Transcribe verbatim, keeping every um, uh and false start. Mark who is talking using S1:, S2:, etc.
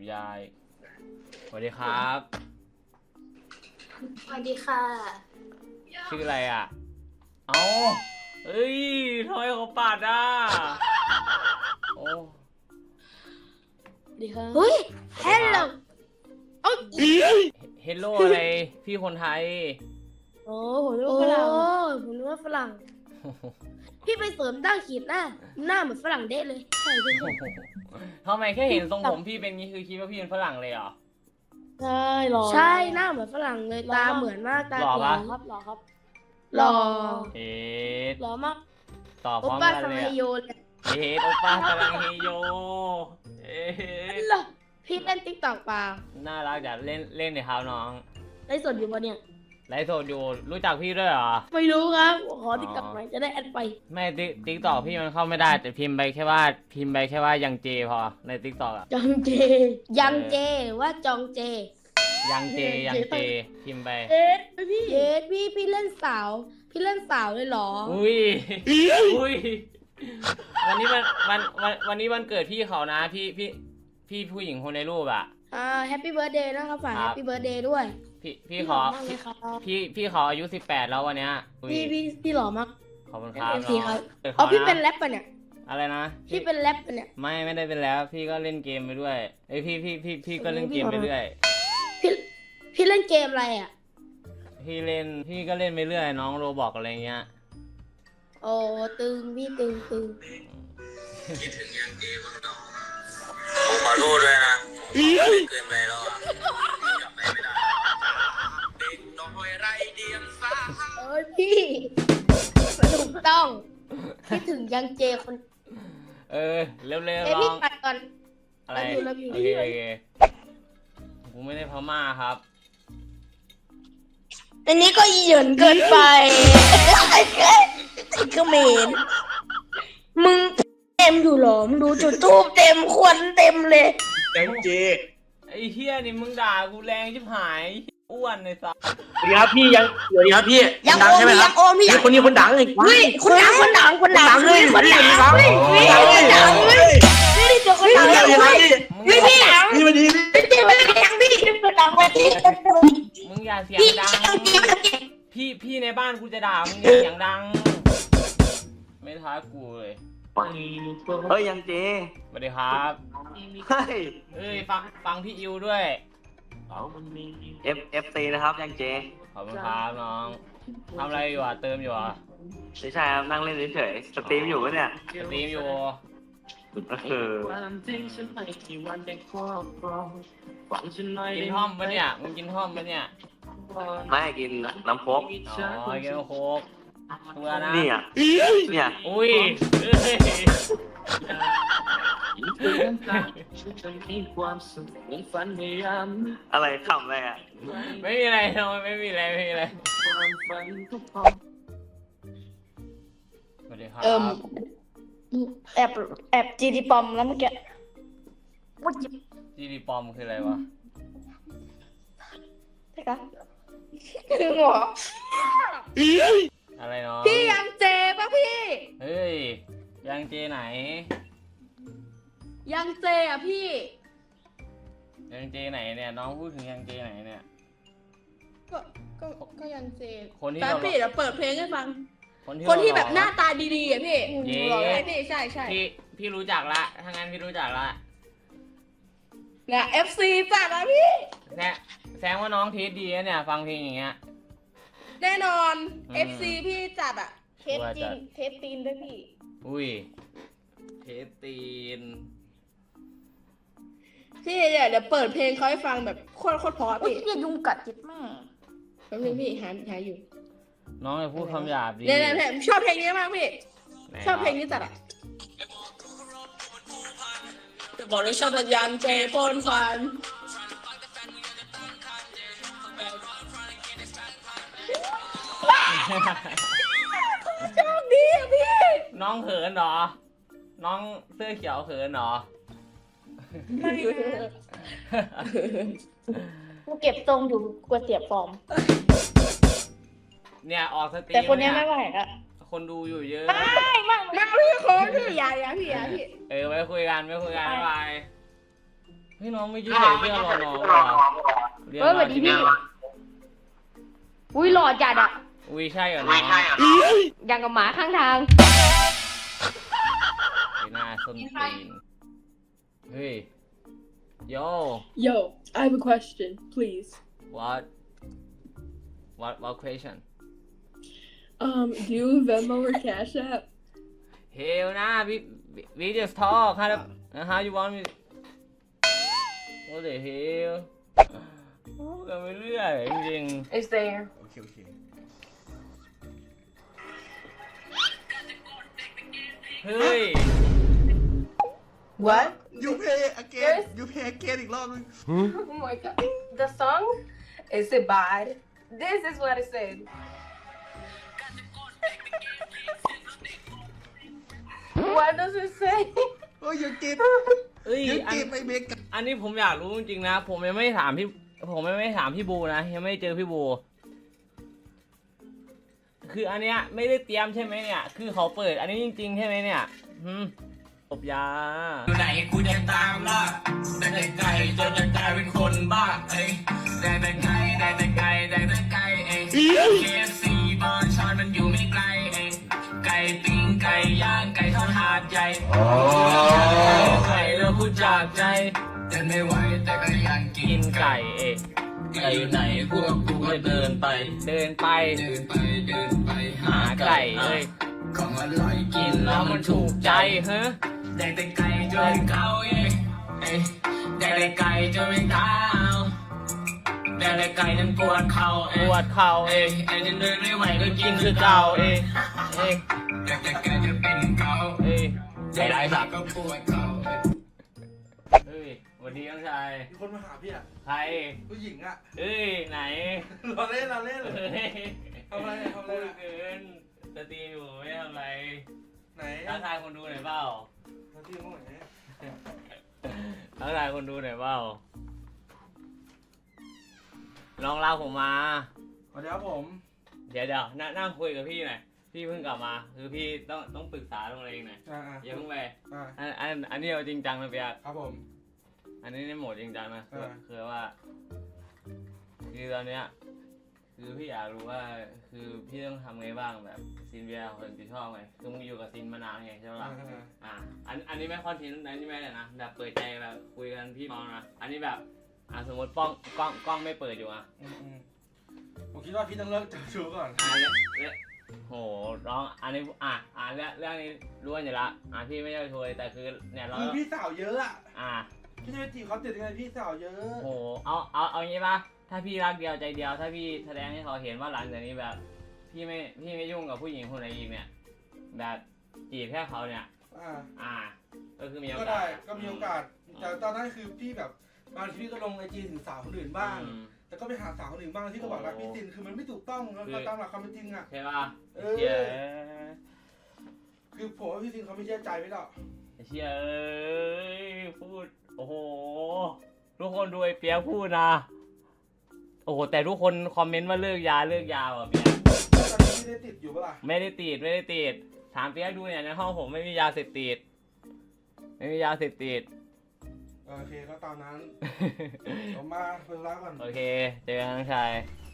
S1: ยายสวัสดีครับ
S2: สวัสดีค่ะ
S1: ชื่ออะไรอ่ะเอ้าเอ้ยทำไมเขาปาดอ่ะโอ้
S2: ดีค่ะเฮ้ยเฮลโลโอ้
S1: เฮลโลอะไรพี่คนไทย
S2: โอ้ผมรู้ว่าฝรั่งผมรู้ว่าฝรั่งพี่ไปเสริมดั้งขีดหน้าหน้าเหมือนฝรั่งเด้เลยใช่พี่
S1: ทำไมแค่เห็นทรงผมพี่เป็นงี้คือคิดว่าพี่เป็นฝรั่งเลยเหรอ
S2: ใช่หล่อใช่หน้าเหมือนฝรั่งเลยตาเหมือนมากตา
S1: หล่อปะ
S2: ครับหล่อครับหล่อ
S1: เอ๊ะ
S2: หล่อมาก
S1: ตอบพร้อมกันเลยอะ
S2: โอป้าสังเฮโยเลย
S1: เอ๊ะโอป้าสลังเฮโยเอ๊ะ
S2: พี่เล่นติ๊กต็อกเปล่า
S1: น่ารักจัดเล่นเล่นในเท้าน้อง
S2: ไลฟ์สดอยู่ปะเนี่ย
S1: ไลฟ์สดอยู่รู้จักพี่ด้วยเหรอ
S2: ไม่รู้ครับขอติ๊กต็อกหน่อยจะได้แอดไป
S1: ไม่ติ๊กติ๊กต็อกพี่มันเข้าไม่ได้แต่พิมพ์ไปแค่ว่าพิมพ์ไปแค่ว่ายังเจพอในติ๊กต็อกอะ
S2: ยังเจยังเจหรือว่าจองเจ
S1: ยังเจยังเจพิมพ์ไป
S2: เย็ดพี่เย็ดพี่พี่เล่นสาวพี่เล่นสาวเลยเหรอ
S1: อุ้ยอุ้ยวันนี้วันวันวันวันนี้วันเกิดพี่เขานะพี่พี่พี่ผู้หญิงคนในรูปอ่ะ
S2: อ่าแฮปปี้เบิร์ดเดย์นะครับฝากแฮปปี้เบิร์ดเดย์ด้วย
S1: พี่พี่ขอพี่พี่ขออายุสิบแปดแล้ววันเนี้ย
S2: พี่พี่พี่หล่อมาก
S1: ขอบคุณครับ
S2: พี่ครับเอาพี่เป็นแรปปะเนี่ย
S1: อะไรนะ
S2: พี่เป็นแรปปะเนี่ย
S1: ไม่ไม่ได้เป็นแล้วพี่ก็เล่นเกมไปด้วยเอ้ยพี่พี่พี่พี่ก็เล่นเกมไปเรื่อย
S2: พี่พี่เล่นเกมอะไรอ่ะ
S1: พี่เล่นพี่ก็เล่นไปเรื่อยน้องโรบอกอะไรเงี้ย
S2: โอ้ตึงพี่ตึงตึง
S3: คิดถึงยังเกมบ้างเนาะผมขอโทษด้วยนะเกินไปแล้วอ่ะจำไม่ได้เด็กน้อยไรเดียงสา
S2: เอ้ยพี่ถูกต้องคิดถึงยังเจคน
S1: เออเร็วๆล
S2: องพี่ปัดก่อน
S1: อะไรโอเคโอเคกูไม่ได้พม่าครับ
S2: อันนี้ก็เหยินเกินไปเขมรมึงเต็มอยู่หรอมึงดูจุดทูบเต็มควันเต็มเลย
S3: ยังเจ
S1: ไอ้เฮียนี่มึงด่ากูแรงชิบหายอ้วนเลยสัส
S3: สวัสดีครับพี่ยังสวัสดีครับพี่
S2: ยังดังใช่ไหมครับ
S3: พี่คนนี้คนดังเลย
S2: เฮ้ยคนดังคนดังคนดังเลยคนดังเลยคนดังเลยนี่เจอคนดังเลยพี่พี่
S3: พี่มาดี
S2: พี่พี่ไม่ดังพี่คนดังคนที่
S1: มึงอย่าเสียงดังพี่พี่ในบ้านกูจะด่ามึงอย่าเสียงดังไม่ท้ากูเลย
S3: เฮ้ยยังเจ
S1: สวัสดีครับ
S3: เฮ้ย
S1: เฮ้ยฟังฟังพี่อิวด้วย
S3: เอฟเอฟซีนะครับยังเจ
S1: ขอบคุณครับน้องทำอะไรอยู่อ่ะเติมอยู่อ่ะ
S3: ไม่ใช่ครับนั่งเล่นเฉยๆสตรีมอยู่ปะเนี่ย
S1: สตรีมอยู่
S3: ก็คือ
S1: กินท่อมปะเนี่ยมึงกินท่อมปะเนี่ย
S3: ไม่กินน้ำโค้ก
S1: อ๋อกินน้ำโค้กตัวนะ
S3: นี่อ่ะเนี่ย
S1: อุ้ย
S3: อะไรขำอะไรอ่ะ
S1: ไม่มีอะไรน้องไม่มีอะไรไม่มีอะไรสวัสดีครับ
S2: เอิ่มแอบแอบจีดีปอมแล้วเมื่อกี้
S1: จีดีปอมคืออะไรวะ
S2: ใช่ครับคือหรอ
S1: อะไรเนาะ
S2: พี่ยังเจป่ะพี่
S1: เฮ้ยยังเจไหน
S2: ยังเจอ่ะพี่
S1: ยังเจไหนเนี่ยน้องพูดถึงยังเจไหนเนี่ย
S2: ก็ก็ก็ยังเจ
S1: คนที่
S2: แต่พี่เดี๋ยวเปิดเพลงให้ฟัง
S1: คนที่
S2: คนที่แบบหน้าตาดีๆอ่ะพี่หล่อไหมพี่ใช่ใช่
S1: พี่พี่รู้จักละถ้างั้นพี่รู้จักละ
S2: เนี่ย เอฟ ซี จัดนะพี่
S1: แซแซงว่าน้องเทสดีนะเนี่ยฟังเพลงอย่างเงี้ย
S2: แน่นอน เอฟ ซี พี่จัดอ่ะเทสจีนเทสตีนด้วยพี่
S1: อุ้ยเทสตีน
S2: พี่เดี๋ยวเดี๋ยวเปิดเพลงเขาให้ฟังแบบโคตรโคตรเพราะพี่พี่ยุงกัดจิตแม่แป๊บนึงพี่หาหาอยู่
S1: น้องจะพูดคำหยาบดี
S2: เนี่ยเนี่ยชอบเพลงนี้มากพี่ชอบเพลงนี้จัดอ่ะบอกเลยชอบสัญญาณเจปนฟันชอบดีอ่ะพี่
S1: น้องเขินเหรอน้องเสื้อเขียวเขินเหรอ
S2: ไม่กูเก็บทรงอยู่กลัวเสียฟอร์ม
S1: เนี่ยออกสตรีม
S2: แต่คนนี้ไม่ไหวอ่ะ
S1: คนดูอยู่เยอะ
S2: ไม่ไม่ไม่พี่คนพี่อย่าอย่าพี่อย่าพี่
S1: เออไว้คุยกันไว้คุยกันบ๊ายบายพี่น้องไม่ยืดใส่เสื้อรอน้องว่ะเรียน
S2: เฮ้ยสวั
S1: มา
S2: สดี
S1: ที่
S2: พี่
S1: นี่
S2: อุ้ยหล่อจัดอะ
S1: อุ้ยใช่เหรอน้อง
S2: อย่างกับหมาข้างทาง
S1: ไอ้หน้าส้นตีนเฮ้ยโย
S4: Yo, I have a question, please.
S1: what what what question
S4: Um, do you Venmo or Cash App?
S1: hell นะ we we- we just talk how the- how you want me what the hell โอ้กันไปเรื่อยจริง
S2: It's there
S5: โอเคโอเค
S1: ๆเฮ้ย
S2: What
S5: you pay again you pay again อีกรอบนึง
S2: Oh my god The song is it bad This is what it said What does it say
S5: โอ้ยยังเก็บ
S1: เอ้ย
S5: ยัง
S1: อัน
S5: เก็บไอ้เมก
S1: อันนี้ผมอยากรู้จริงๆนะ ผมยังไม่ถามพี่ ผมยังไม่ถามพี่บูนะ ยังไม่เจอพี่บู คืออันเนี้ยไม่ได้เตรียมใช่ไหมเนี่ย คือเขาเปิดอันนี้จริงๆใช่ไหมเนี่ยหืมตบยา
S3: อยู่ไหนกูจะตามล่าได้แต่ไกลจนจะกลายเป็นคนบ้าเอ้ยได้แต่ไกลได้แต่ไกลได้แต่ไกลเอ้ย เค เอฟ ซี บอนชอนมันอยู่ไม่ไกลเอ้ยไก่ปิ้งไก่ย่างไก่ทอดหาดใหญ่ไก่แล้วพูดจากใจเดินไม่ไหวแต่ก็ยังกิ
S1: กิ
S3: น
S1: น
S3: ไก่
S1: ไก่เอ๊ะ
S3: ไก่อยู่ไหนพวกกูก็เดินไป
S1: เดินไป
S3: เดินไปเดินไป
S1: หาไก่เอ้ย
S3: ของอร่อยกิ
S1: กิ
S3: น
S1: น
S3: แล้
S1: แล้ว ว
S3: มั
S1: มัน น
S3: ถู
S1: ถู
S3: ก
S1: ก
S3: ใจ
S1: ใจฮะ
S3: ได้แต่ไก่จนเขาเอ้ยเอ้ยได้แต่ไก่จนเป็นเท้าได้แต่ไก่จนปวดเข่า
S1: ป
S3: เอ้ยว
S1: ดเข่า
S3: เอ้
S1: เอ้
S3: ย
S1: ย
S3: ไอ้จนเดินไม่ไหวก็กิ
S1: กิ
S3: น
S1: น
S3: คื
S1: คือ อ
S3: เก่า
S1: เก่า
S3: เอ้
S1: เอ้
S3: ย
S1: ยเอ้ย
S3: ได้แต่ไก่จะเป็นเขา
S1: เอ้ย
S3: ได้ได้สักก็ปวดเข่าเอ้ย
S1: เฮ้ยสวัสดีน้องชาย
S5: มีคนมาหาพี่อ่ะ
S1: ใคร
S5: ผู้หญิงอ่ะ
S1: เอ้ยไหน
S5: เราเล่นเราเล่น
S1: เฮ้ย
S5: ทำอะไรทำอะไร
S1: พูด
S5: อะ
S1: เกินสตรีมอยู่ไม่ทำอะไร
S5: ไหน
S1: ทักทายคนดูหน่อยเปล่า
S5: มาที่ห้องไหน
S1: ทักทายคนดูหน่อยเปล่าลองเล่าผมมา
S5: สวัสดีครับผม
S1: เดี๋ยวเดี๋ยวนั่งนั่งคุยกับพี่หน่อยพี่เพิ่งกลับมาคือพี่ต้องต้องปรึกษาตรงอะไรเองหน่อย
S5: อ่าอ่า
S1: อย่าเพิ่งไป
S5: อ่า
S1: อันอันอันนี้เอาจริงจังนะเปียก
S5: ครับผม
S1: อันนี้ในโหมดจริงจังนะคือ
S5: อ่า
S1: คือว่า คือตอนเนี้ยคือพี่อยากรู้ว่าคือพี่ต้องทำไงบ้างแบบซินเวียคนที่ชอบไงคือมึงอยู่กับซินมานานไงใช่ไหม
S5: อ่า
S1: ล่ะ
S5: อ่า
S1: อ่าอันอันนี้ไม่คอนเทนต์อันนี้ไม่เลยนะแบบเปิดใจแบบคุยกันพี่มองนะอันนี้แบบอ่าสมมติกล้องกล้องกล้องไม่เปิดอยู่อ่ะ
S5: อืมอืมผมคิดว่าพี่ต้องเลิกเจ้าชู้ก่อน
S1: อ่าเนี่ยเนี่ยโหร้องอันนี้อ่ะอ่าเรื่องเรื่องนี้รู้กันอยู่ละอ่าพี่ไม่ใช่ช่วยแต่คือเนี่ยเรา
S5: คือพี่สาวเยอะอ่ะ
S1: อ่า
S5: พี่จะไปจีบเขาติดยังไงพี่สาวเยอะ
S1: โหเอาเอาเอางี้ป่ะถ้าพี่รักเดียวใจเดียว ถ้าพี่แสดงให้เขาเห็นว่าหลังจากนี้แบบ พี่ไม่พี่ไม่ยุ่งกับผู้หญิงคนไหนอีกเนี่ย แบบจีบแค่เขาเนี่ย
S5: อ่า
S1: อ่า ก็คือมีโอ
S5: ก็
S1: กา
S5: ได้
S1: ส
S5: ก็มีโอกาสแต่ตอนนั้นคือพี่แบบบางทีพี่ก็ลงไอจีถึงสาวคนอื่นบ้าง
S1: อืม
S5: แต่ก็ไปหาสาวคนอื่นบ้างที่ก็บอกรักพี่ซินคือมันไม่ถูกต้องแล้ว
S1: คือ
S5: ก็ตามหลักความเป็นจริงอ่ะ
S1: ใช่ป่ะ
S5: เออ
S1: เชี่ย
S5: คือผมว่าพี่ซินเขาไม่เชื่อใจไม่หรอก
S1: เชี่ยเอ้ยพูดโอ้โหทุกคนดูไอ้เปียกพูดนะโอ้โหแต่ทุกคนคอมเมนต์ว่าเลิกยาเลิกยาว่ะเปียก
S5: แล้วตอนนี้พี่ได้ติดอยู่ปะล่ะ
S1: ไม่ได้ติดไม่ได้ติดถามเปียกดูเนี่ยในห้องผมไม่มียาเสพติดไม่มียาเสพติด
S5: โอเคก็ตามนั้น ผมมาเปิดร้านก่อน
S1: โอเคเจอกันน้องชาย